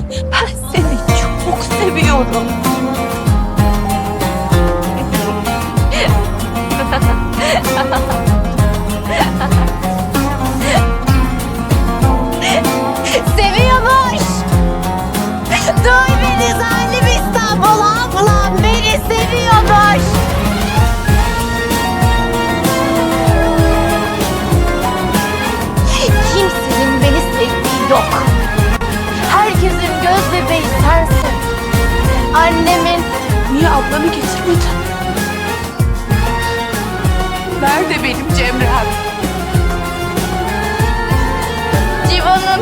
Ben seni çok seviyorum. Seviyormuş. Duy beni zalim İstanbul, ablam beni seviyormuş. Kimsenin beni sevdiği yok. Herkesin göz bebeği sensin. Annemin... Niye ablamı getirmedin? Nerede benim Cemrem? Civan'ım.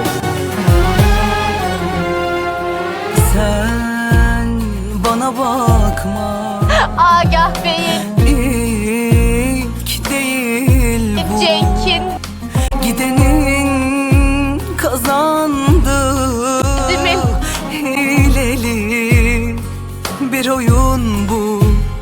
Sen bana bakma. Agah Bey'in. İlk değil bu. Cenk'in. Gidenin kazandı. Değil mi? Hileli bir oyun bu.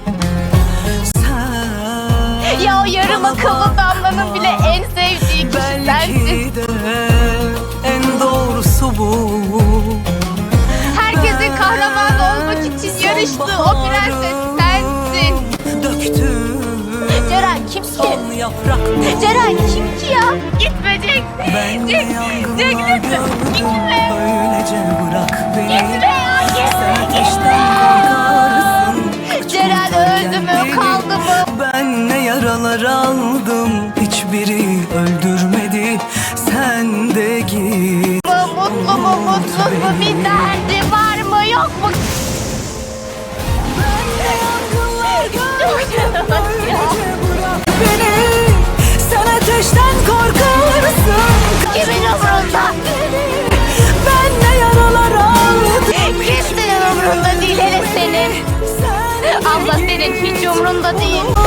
Sen Ya o yarım akıllı damlanın bile en sevdiği kişi sensin. belki de en doğrusu bu. Herkesin kahraman olmak için yarıştığı o prenses sensin. Döktüm Ceren kim ki? son yaprak. Ceren kim ki ya? Gitme Cenk. Ben Cenk, Cenk gitme. Gitme. Öylece bırak beni. Gitme ya, gitme, Sen gitme. ateşten korkarsın. Ceren öldü mü, kaldı mı? Ben ne yaralar aldım, hiçbiri öldürmedi. Sen de git. Mutlu mu, mutsuz mu, bir derdi var mı, yok mu? Beni, sen ateşten korkarsın. Kimin umurunda? Ben ne yaralar aldım. Kimsenin umurunda değil, hele senin. Abla senin hiç umurunda değil.